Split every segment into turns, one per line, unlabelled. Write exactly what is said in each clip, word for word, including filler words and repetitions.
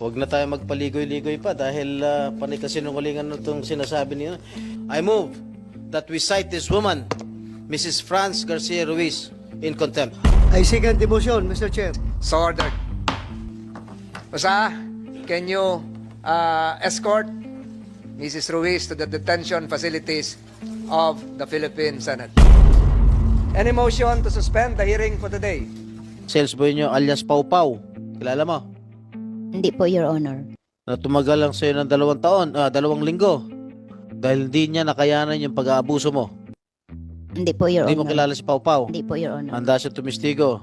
Huwag na tayo magpaligoy-ligoy pa dahil uh, panay kasi nungalingan itong sinasabi niyo. I move that we cite this woman, Missus Franz Garcia Ruiz, in contempt.
I second the motion, Mister Chair.
So ordered. Basta, can you uh, escort Missus Ruiz to the detention facilities of the Philippine Senate? Any motion to suspend the hearing for today?
Sales boy nyo alias Pau Pau. Kilala mo?
Hindi po, Your Honor.
Na tumagal lang sa'yo ng dalawang taon, ah, dalawang linggo. Dahil hindi niya nakayanan yung pag-aabuso mo.
Hindi po, Your
Hindi mo
Honor.
kilala si Pau Pau.
Hindi po, Your Honor.
Handa siya tumistigo.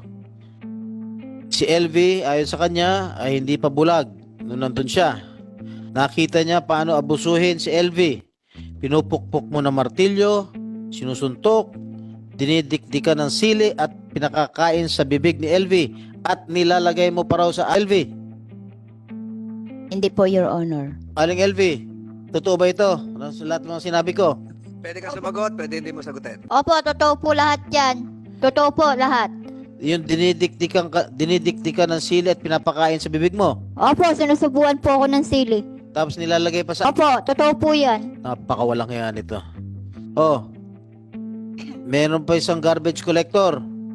Si L V, ayon sa kanya, ay hindi pa bulag nung nandun siya. Nakita niya paano abusuhin si L V. Pinupukpok mo ng martilyo, sinusuntok, dinidikdikan ng sili at pinakakain sa bibig ni L V at nilalagay mo pa raw sa L V.
Hindi po, Your Honor.
Aling L V, totoo ba ito? Ano sa lahat ng mga sinabi ko?
Pwede ka sumagot, pwede hindi mo sagutin.
Opo, totoo po lahat yan. Totoo po lahat.
Yung dinidikdikan, ka, dinidikdikan ng sili at pinapakain sa bibig mo.
Opo, sinusubuan po ako ng sili.
Tapos nilalagay pa sa...
Opo, totoo po yan.
Napakawalang yan ito. Oh, meron pa isang garbage collector.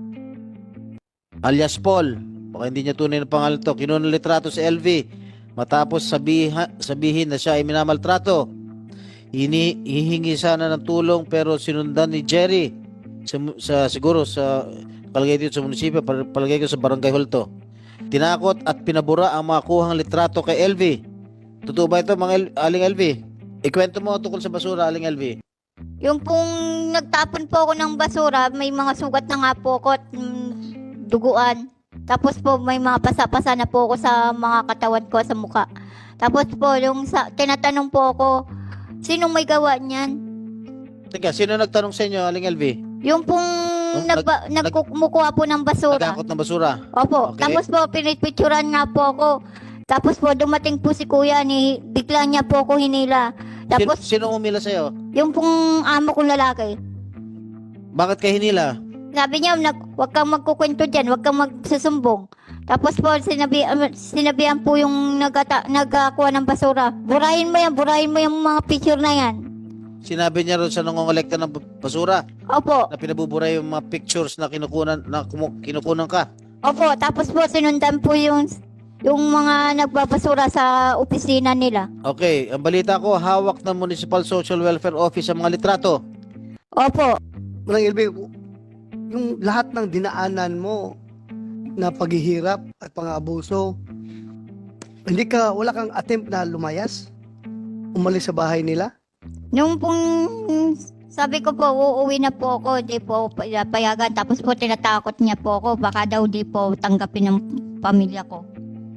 Alias Paul. Baka hindi niya tunay na pangalan to. Kinuha ng litrato sa L V. Matapos sabiha, sabihin na siya ay minamaltrato. Hini, hihingi sana ng tulong pero sinundan ni Jerry sa, sa siguro sa palagay dito sa munisipyo, palagay ko sa barangay hall to. Tinakot at pinabura ang mga kuhang litrato kay L V. Totoo ba ito mga L- Aling L V? Ikwento mo tungkol sa basura, Aling L V.
Yung pong nagtapon po ako ng basura, may mga sugat na nga po ako at mm, duguan. Tapos po may mga pasa-pasa na po ako sa mga katawan ko sa muka. Tapos po, yung sa, tinatanong po ako, sinong may gawa niyan?
Teka, sino nagtanong sa inyo, Aling L V?
Yung pong
nag-
nagba,
nag-
nagkumukuha po ng basura.
Nagkakot ng basura.
Opo.
Okay.
Tapos po, pinipicturan nga po ako. Tapos po, dumating po si kuya, ni, bigla niya po ako hinila. Tapos,
Sino, sino umila sa'yo?
yung pong amo kong lalaki,
Bakit ka hinila?
sabi niya, nag, huwag kang magkukwento dyan, huwag kang magsusumbong. Tapos po, sinabi, um, sinabihan po yung nagata, nagkakuha ng basura. Burahin mo yan, burahin mo yung mga picture na yan.
Sinabi niya rin sa nangongolekta ng basura
Opo,
na pinabubura yung mga pictures na kinukunan, na kumu- kinukunan ka.
opo. Tapos po, sinundan po yung, yung mga nagbabasura sa opisina nila.
Okay, ang balita ko, hawak ng Municipal Social Welfare Office ang mga litrato.
Opo.
Walang ilbi, yung lahat ng dinaanan mo na paghihirap at pang-abuso, hindi ka, wala kang attempt na lumayas? Umalis sa bahay nila?
Nung pong sabi ko po, uuwi na po ako, di po payagan. Tapos po, tinatakot niya po ako, baka daw di po tanggapin ng pamilya ko.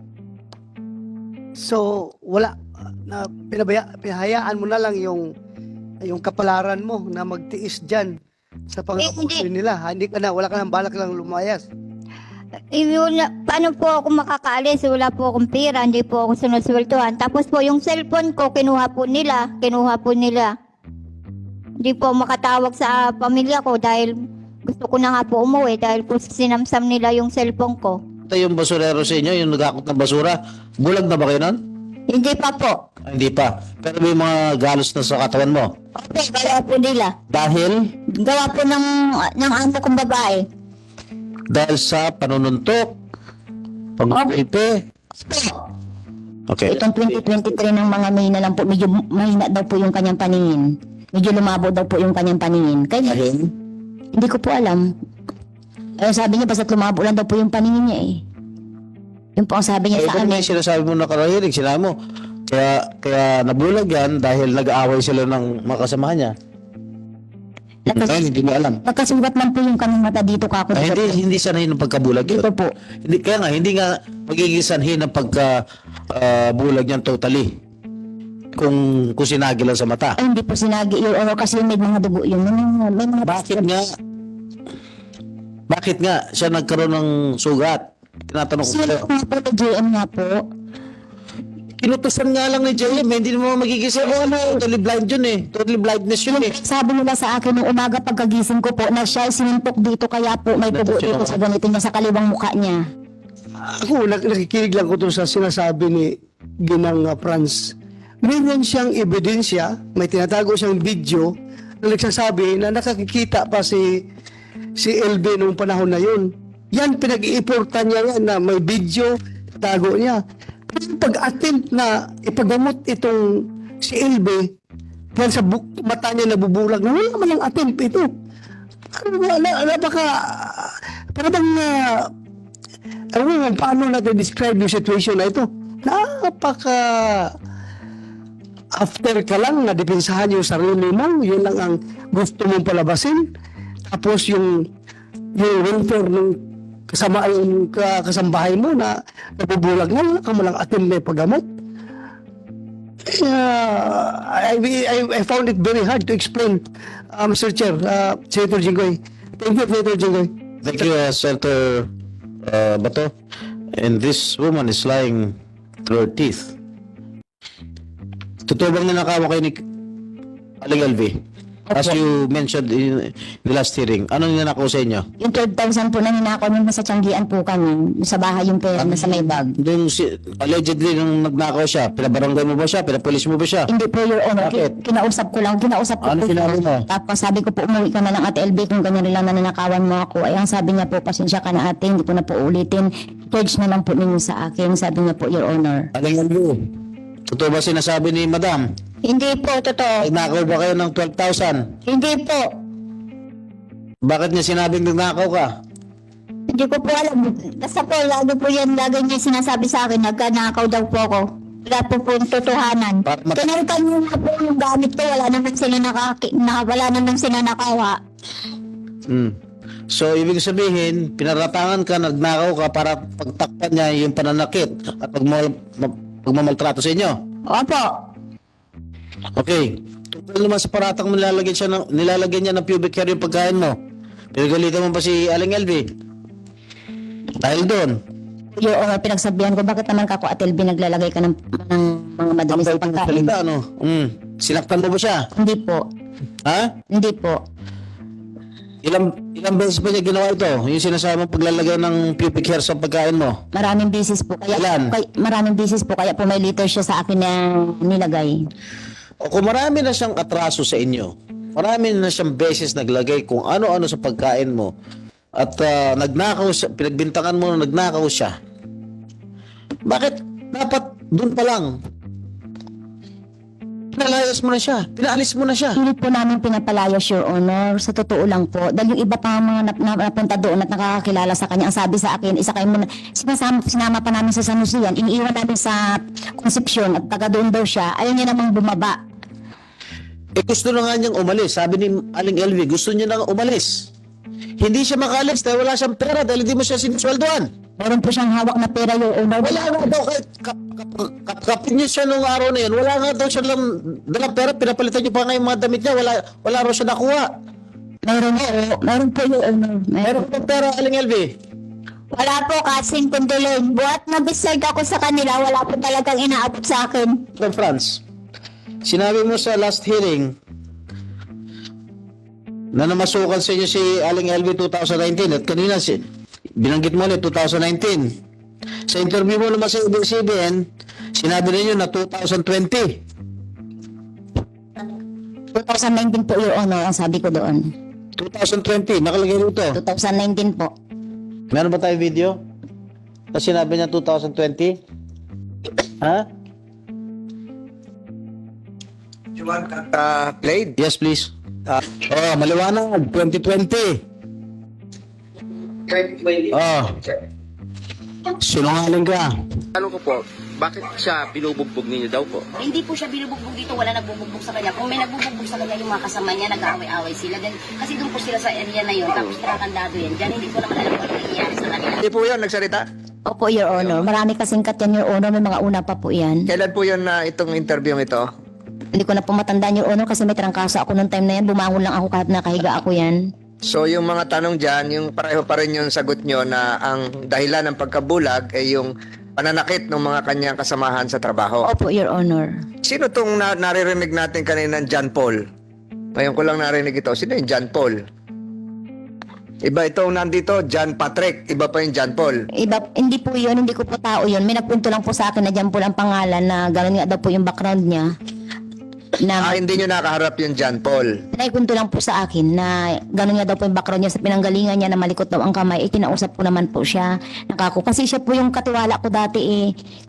So, wala, na pinabaya, pinahayaan mo na lang yung yung kapalaran mo na magtiis dyan sa pang-abuso
hindi.
nila. Hindi ka na, wala ka nang balak lang lumayas.
Eh, wala, paano po ako makakaalis? Wala po akong pera, hindi po ako sinusweldohan. Tapos po yung cellphone ko, kinuha po nila, kinuha po nila. Hindi po makatawag sa pamilya ko dahil gusto ko na nga po umuwi dahil po sinamsam nila yung cellphone ko.
Ito yung basurero sa inyo, yung nagakot ng basura. Bulag na ba kayo nun?
Hindi pa po.
Ay, hindi pa. Pero may mga galos na sa katawan mo.
Okay, gawa po nila.
Dahil?
Gawa po ng, ng amo kong babae.
Dahil sa panununtok, pag-ipe. Okay.
Itong twenty twenty-three ng mga May na lang po, medyo mahina daw po yung kanyang paningin. Medyo lumabo daw po yung kanyang paningin. Kaya,
Dahil?
hindi ko po alam. Eh, sabi niya, basta lumabo lang daw po yung paningin niya eh. Yun po ang sabi niya
Eh,
sa
ito
amin.
may sinasabi mo na karahilig, sinabi mo. Kaya, kaya nabulag yan dahil nag-aaway sila ng mga kasamahan niya.
Nagkas-
Ngayon, hindi mo alam.
Nagkasugat man po yung kanyang mata dito kako.
Ay, hindi, hindi sanay ng pagkabulag yun.
Ito po.
Hindi, kaya nga, hindi nga magiging sanhi ng pagkabulag niyan totally. Kung, kung sinagi lang sa mata.
Ay, hindi po sinagi yun. Or kasi may mga dugo yun. May mga, may mga
Bakit nga? Bakit nga siya nagkaroon ng sugat? Tinatanong ko
Sino
sa'yo.
nga po na J M nga po?
Kinutusan nga lang ni J M, eh. Hindi naman magiging sa ano, totally blind yun eh. Totally blindness yun eh.
Sabi nila sa akin nung umaga pagkagising ko po na siya ay sinuntok dito kaya po may dugo dito sa ganito niya sa kaliwang mukha niya.
Ako, nak- nakikinig lang ko dun sa sinasabi ni Ginang uh, Franz. Meron siyang ebidensya, may tinatago siyang video na nagsasabi na nakakikita pa si si L B nung panahon na yun. Yan, pinag-iiportan niya yan na may video, tago niya. Pero pag-attempt na ipagamot itong si L B, dahil sa buk- mata niya nabubulag na wala man ang attempt ito. Ano ba, na, napaka, para bang, uh, ano mo, paano natin describe yung situation na ito? Napaka, after ka lang na depensahan yung sarili mo, yun lang ang gusto mong palabasin. Tapos yung, yung welfare ng kasama yung kasambahay mo na nabubulag na, wala ka malang attempt na paggamot. Uh, I, I, I found it very hard to explain, uh, Mister Chair, uh, Senator Jinggoy. Thank you, Senator Jinggoy.
Thank you, uh, Senator uh, Bato. And this woman is lying through her teeth. Totoo bang ninakaw kayo ni Aling L V? As you mentioned in the last hearing, ano ninakaw sa inyo?
Yung twelve thousand po na ninakaw nung nasa Tianggian po kami, sa bahay yung pera na sa may bag.
Yung si, allegedly nung nagnakaw siya, pinabarangay mo ba siya? Pinapulis mo ba siya?
Hindi po, Your Honor.
Bakit?
Ki- Kinausap ko lang. Kinausap ko
Ano
po
sinabi
siya.
mo?
Tapos sabi ko po, umuwi ka na lang Ate L B kung ganyan rin lang na nanakawan mo ako. Ay, ang sabi niya po, pasensya ka na ate, hindi ko na po ulitin. Pledge na lang po ninyo sa akin. Sabi niya po, Your Honor.
Aling L V, totoo ba sinasabi ni Madam?
Hindi po, totoo.
Nagnakaw ba kayo ng twelve thousand?
Hindi po.
Bakit niya sinabing nagnakaw ka?
Hindi ko po alam. Basta po, lagi po yan, lagi niya sinasabi sa akin, nagkanakaw daw po ako. Wala po po yung totohanan.
Para mat-
Kinalitan niyo nga po yung gamit ko, wala naman sila nakaki, na, wala naman sila nakawa.
Hmm. So, ibig sabihin, pinaratangan ka, nagnakaw ka para pagtakpan niya yung pananakit at pagmal, ma- pagmamaltrato sa inyo.
Opo.
Okay. Kung naman sa paratang mo nilalagyan, siya ng, nilalagyan niya ng pubic hair yung pagkain mo, pinagalitan mo ba si Aling L V? Dahil doon.
Your Honor, pinagsabihan ko, bakit naman kako Ate L B naglalagay ka ng, ng mga madumi sa pagkain?
Salita, ano? Hmm. Sinaktan mo ba siya?
Hindi po.
Ha?
Hindi po.
Ilang ilang beses ba niya ginawa ito? Yung sinasabi mong paglalagay ng pubic hair sa pagkain mo?
Maraming bisis po. Kaya,
Ilan?
kay, maraming bisis po. Kaya po may liter siya sa akin na nilagay.
O kung marami na siyang atraso sa inyo, marami na siyang beses naglagay kung ano-ano sa pagkain mo, at ah, nagnakaw siya, pinagbintangan mo na nagnakaw siya, bakit dapat doon pa lang pinalayas mo na siya, pinaalis mo na siya?
Hindi po namin pinapalayas, Your Honor. Sa totoo lang po. Dahil yung iba pa mga nap- nap- napunta doon at nakakakilala sa kanya, ang sabi sa akin, isa kayo muna, sinasama, sinama pa namin sa San Jose yan, iniiwan namin sa Concepcion at taga doon daw siya, ayaw niya namang bumaba.
Eh gusto na nga niyang umalis. Sabi ni Aling L V, gusto niya na umalis. Hindi siya makalis dahil wala siyang pera, dahil hindi mo siya sinisweldoan.
Meron po siyang hawak na pera, Your Honor.
Wala nga daw, kahit kap, kap, kap, kapit niya siya nung araw na yun, wala nga daw siya lang dalang pera, pinapalitan niyo pa nga yung mga damit niya, wala, wala raw siya nakuha.
Meron po. Meron po, Your Honor.
Meron
Meron.
pa pera, Aling L V.
Wala po, kasing kundulin. Buhat na beside ako sa kanila, wala po talagang inaabot sa akin.
From France, sinabi mo sa last hearing na namasukan sa inyo si Aling L V twenty nineteen at kanina si, binanggit mo ulit twenty nineteen. Sa interview mo naman sa A B C B N, sinabi ninyo na twenty twenty.
twenty nineteen po, Your Honor, ang sabi ko doon.
twenty twenty, nakalagay rito.
twenty nineteen po.
Meron ba tayo video? Na sinabi niya twenty twenty? Ha?
You want that uh, played?
Yes, please. Oh, maliwanag. twenty twenty. Oh. Sinungaling ka.
Tanong ko po, bakit siya binubugbog ninyo daw po?
Hindi po siya binubugbog dito, wala nagbubugbog sa kanya. Kung may nagbubugbog sa kanya, yung mga kasama niya, nag-aaway-aaway sila. Then, kasi doon po sila sa area na yun, tapos nakakandado yan. Diyan, hindi ko naman alam kung ano nangyayari sa kanila.
Hindi po yan nagsalita?
Opo, Your Honor. Marami kasing kat yan, Your Honor. May mga una pa po yan.
Kailan po yan na itong interview ito?
Hindi ko na po matandaan, Your Honor, kasi may trangkaso ako noong time na yan. Bumangon lang ako kahit nakahiga ako yan.
So yung mga tanong dyan, yung pareho pa rin yung sagot nyo na ang dahilan ng pagkabulag ay yung pananakit ng mga kanyang kasamahan sa trabaho.
Opo, Your Honor.
Sino tong na naririnig natin kanina, John Paul? Ngayon ko lang narinig ito. Sino yung John Paul? Iba itong nandito, John Patrick. Iba pa yung John Paul.
Iba, hindi po yun, hindi ko po tao yun. May nagpunto lang po sa akin na dyan po ang pangalan na gano'n nga daw po yung background niya.
Ah,
Na
hindi nyo nakaharap yung John Paul.
naikunto lang po sa akin na gano'n nga daw po yung background niya sa pinanggalingan niya na malikot daw ang kamay. Eh, kinausap ko naman po siya. Nakako. Kasi siya po yung katiwala ko dati eh.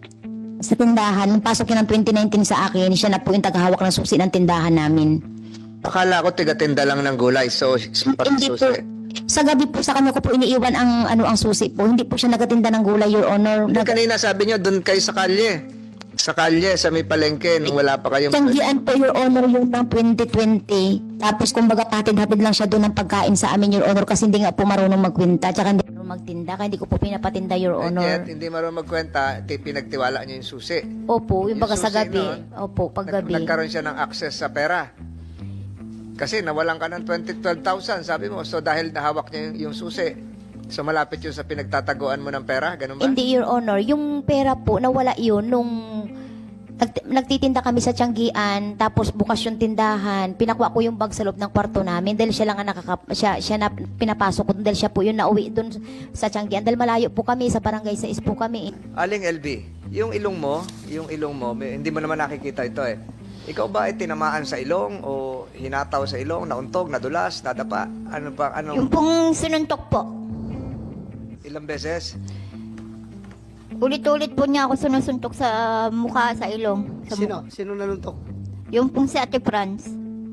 Sa tindahan, nung pasok niya ng twenty nineteen sa akin, siya na po yung tagahawak ng susi ng tindahan namin.
Akala ko tiga-tinda lang ng gulay. So, para
Hindi po.
susi.
Sa gabi po sa kanya ko po iniiwan ang ano ang susi po. Hindi po siya nagatinda ng gulay, Your Honor.
Hindi,
Nag-
kanina sabi nyo, doon kayo sa kalye. Sa kalye, sa may palengke, nung wala pa kayong...
Tanggian po, Your Honor, yung ng twenty twenty. Tapos kumbaga patid-hatid lang siya doon ng pagkain sa amin, Your Honor, kasi hindi nga po marunong magkwenta. Tsaka hindi marunong magtinda, kaya hindi ko po pinapatinda, Your
And
Honor.
yet, hindi marunong magkwenta, ti- pinagtiwala nyo yung susi.
Opo, yung baga
Yung
sa
susi
gabi.
noon,
Opo, pag
Nag-
gabi.
nagkaroon siya ng access sa pera. Kasi nawalan ka ng twenty, twelve thousand, sabi mo. So, dahil nahawak niya yung, yung susi, so malapit yun sa pinagtataguan mo ng pera, ganun ba?
Hindi, Your Honor. Yung pera po, nawala yun nung nag- nagtitinda kami sa Tianggian, tapos bukas yung tindahan, pinakuha ko yung bag sa loob ng kwarto namin dahil siya lang ang nakaka siya, siya na pinapasok ko dahil siya po yung nauwi doon sa Tianggian dahil malayo po kami, sa barangay sa po kami.
Aling L B, yung ilong mo, yung ilong mo, may- hindi mo naman nakikita ito eh. Ikaw ba ay tinamaan sa ilong o hinataw sa ilong, nauntog, nadulas, nadapa? Ano ba,
Yung
anong,
pong sinuntok po.
ilang beses?
Ulit-ulit po niya ako sinusuntok sa mukha, sa ilong. Sa
Sino? Sino nanuntok?
mukha. Yung pong si Ate Franz.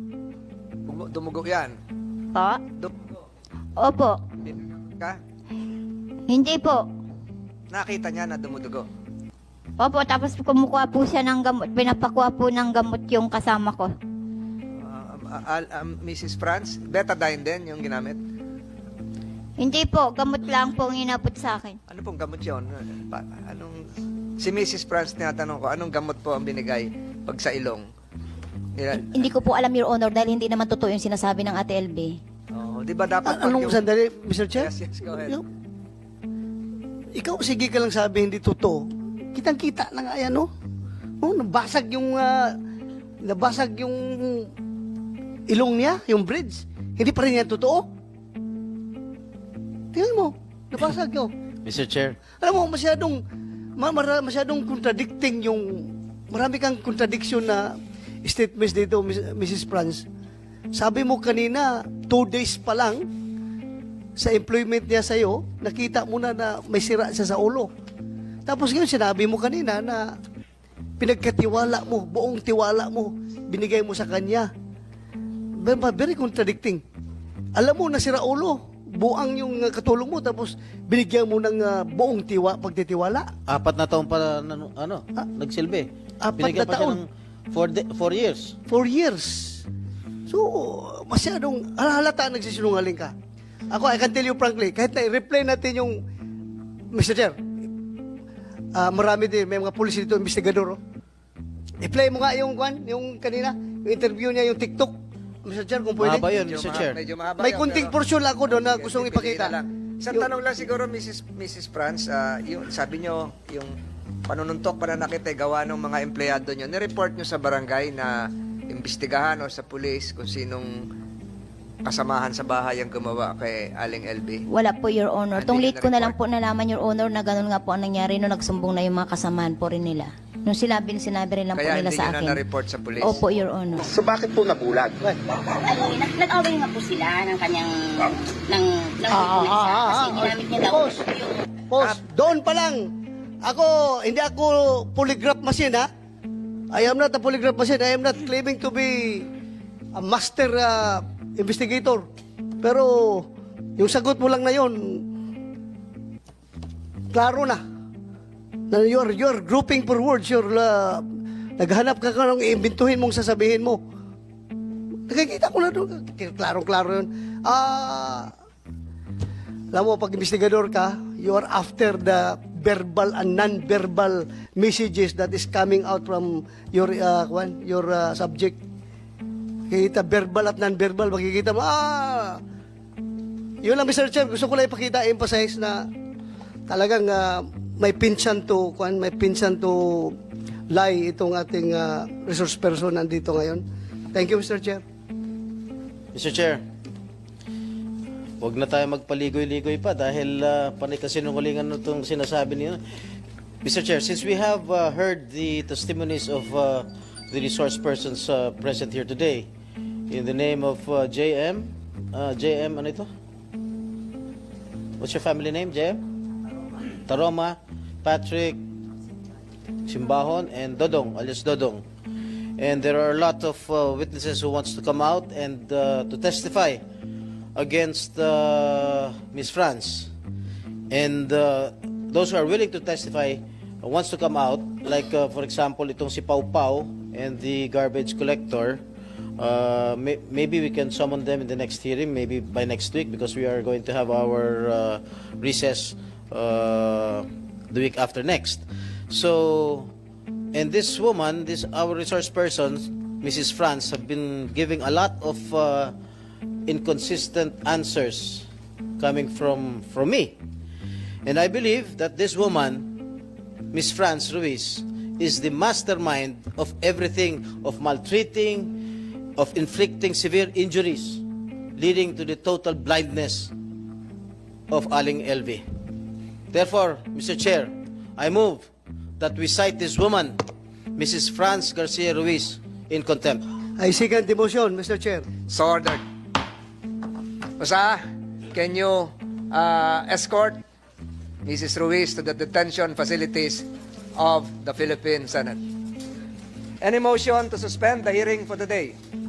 Dum- Dumugo yan.
Pa?
Dumugo.
Opo.
Binagamot ka?
Hindi po.
Nakita niya na dumudugo.
Opo, tapos kumukuha po siya ng gamot. Pinapakuha po ng gamot yung kasama ko.
Uh, um, al- um, Missus Franz, betadine din yung ginamit.
Hindi po, gamot lang po ang inabot sa akin.
Ano pong gamot yun? Pa- anong, si Missus Franz, tinatanong ko, anong gamot po ang binigay pag sa ilong? Nila,
Hindi ko po alam, Your Honor, dahil hindi naman totoo yung sinasabi ng Ate L B.
oh, di ba dapat
A- anong
yung-
sandali, Mister Chair?
Yes, yes, go ahead.
Yung- Ikaw, sige ka lang sabi, hindi totoo. Kitang-kita na nga yan, no? Oh, nabasag yung, ah, nabasag yung ilong niya, yung bridge. Hindi pa rin yan totoo. Tingnan mo, nabasag yun.
Mister Chair,
Alam mo, masyadong, ma- mara- masyadong contradicting yung, marami kang contradiction na statements dito, Miss- Missus Franz. Sabi mo kanina, two days pa lang, sa employment niya sa'yo, nakita mo na na may sira siya sa ulo. Tapos ngayon, sinabi mo kanina na pinagkatiwala mo, buong tiwala mo, binigay mo sa kanya. Very, very contradicting. Alam mo, nasira ulo, buang yung uh, katulong mo, tapos binigyan mo ng uh, buong tiwa, pagtitiwala.
apat na taon pa na, ano, nagsilbi.
Apat
Binigyan
na
pa siya
taon?
ng four, de- four years.
Four years. So, masyadong halata nagsisinungaling ka. Ako, I can tell you frankly, kahit na i-replay natin yung, Mister Chair, ah, marami din, may mga pulis dito, investigador, oh. I-play mo nga yung, kwan, yung kanina, yung interview niya, yung TikTok, Mister Chair, kung pwede.
Mahaba yun,
Medyo
Mister
maha-
Chair.
medyo mahaba
May
yan,
kunting
pero-
portion lang ako doon na
Sige,
gustong
sige, piliin
ipakita.
na lang. Isang
Yung-
tanong lang siguro, Missus Missus Franz, ah, yung, sabi nyo, yung panununtok, pananakit ay gawa ng mga empleyado nyo. Nireport nyo sa barangay na imbestigahan o sa pulis kung sinong kasamahan sa bahay ang gumawa kay Aling L B?
Wala po, Your Honor.
Hindi
Tong
niyo
late ko na lang
na-report?
po nalaman, Your Honor, na ganun nga po ang nangyari nung nagsumbong na yung mga kasamahan po rin nila. Nung sinabi, sinabi rin lang po
Kaya
nila
hindi
sa
nyo na
akin.
na-report sa pulis?
Opo, Your Honor.
So bakit po nabulag?
Ano, nag- nag-away nga po sila ng kanyang, ng, ng
Ah, ah,
dokumento
ah, ah,
kasi
ah.
ginamit niya daw
Boss.
yung
Boss, doon pa lang. Ako, hindi ako polygraph machine, ha? I am not a polygraph machine. I am not claiming to be a master uh, investigator. Pero, yung sagot mo lang na yon, klaro na. Na you're, you're grouping for words. You're, uh, naghanap ka ka ng iimbintuhin mong sasabihin mo. Nakikita ko na doon. Klaro-klaro yun. Ah... Alam mo, pag investigador ka, you are after the verbal and non-verbal messages that is coming out from your uh, kwan, your uh, subject. Kita verbal at non-verbal, makikita mo, ah! Yun lang, Mister Chair, gusto ko lang ipakita, emphasize na talagang uh, may pinsan to, kwan, may pinsan to lie itong ating uh, resource person nandito ngayon. Thank you, Mister Chair.
Mister Chair, Huwag na tayo magpaligoy-ligoy pa dahil uh, panay kasinungalingan itong sinasabi niyo. Mister Chair, since we have uh, heard the testimonies of uh, the resource persons uh, present here today, in the name of uh, J M, uh, J M, ano ito? What's your family name, J M? Taroma, Patrick, Simbahon, and Dodong, alias Dodong. And there are a lot of uh, witnesses who wants to come out and uh, to testify against uh, Miss France. And uh, those who are willing to testify uh, wants to come out, like uh, for example, itong si Pau Pau and the garbage collector. Uh, may, maybe we can summon them in the next hearing, maybe by next week, because we are going to have our uh, recess uh, the week after next. So, and this woman, this our resource person, Missus France, have been giving a lot of uh, inconsistent answers coming from from me, and I believe that this woman, Miss France Ruiz, is the mastermind of everything, of maltreating, of inflicting severe injuries, leading to the total blindness of Aling L V. Therefore, Mister Chair, I move that we cite this woman, Missus France Garcia Ruiz, in contempt.
I second the motion, Mister Chair.
So ordered. Basta, can you uh, escort Missus Ruiz to the detention facilities of the Philippine Senate? Any motion to suspend the hearing for the day?